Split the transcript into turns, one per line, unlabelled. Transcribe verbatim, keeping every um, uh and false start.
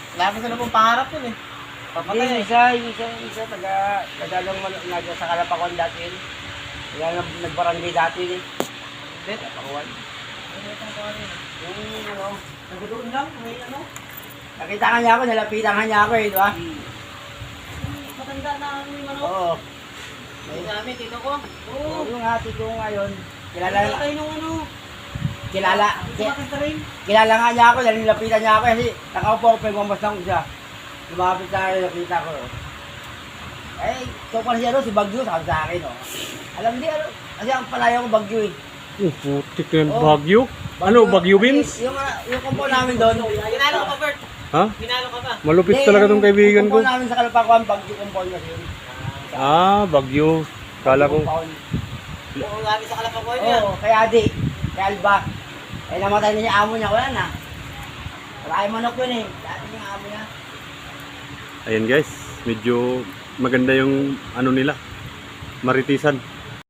Lagi sila pong pangarap yun eh. Papatay
Hindi,
eh.
isa, isa, isa, taga, tagalong nag sa Kalapakon dati yun. Kaya nag, nagbarangay dati yun eh.
Hindi.
Kalapakon. Yung ano,
Nagdoon lang, may ano.
nakita ka niya ako, nalapitan ka niya ako eh, di ba?
Matanda na ano yung ano.
Oo.
May namin, tito ko. Oo.
Oo, yung ate ko ngayon, kilala,
Tatay nung ano.
kilala, ki,
Sumakit ka rin.
kilala nga niya ako, dahil nilapitan niya ako kasi nakaupo ako, pagmamasang ko siya. Lumapit sa akin, nakita ko. Eh, ito pala siya doon, si Bagyo, sabi sa akin, oh. Alam di, ano, kasi ang palayo ko Bagyo eh.
Oh, putik na yan.
Oh.
Bagyo? Ano, Bagyo Beans?
Yung, yung kumpo namin doon.
Ginalo ka pa, Bert.
Ha?
Ginalo ka pa.
Malupit talaga tong kaibigan
Yung
ko.
kumpo namin sa Kalapakwan, Bagyo compound kasi yun.
Ah, Bagyo. Kala ko.
Compound.
Oo, lagi sa kalapakoy niya.
Oo, kaya di, kaya Alba. Eh, namatay na niya amo niya, wala na. Wala kayong manok yun eh. Dati niya amo niya.
Ayan guys, medyo maganda yung ano nila. Maritisan.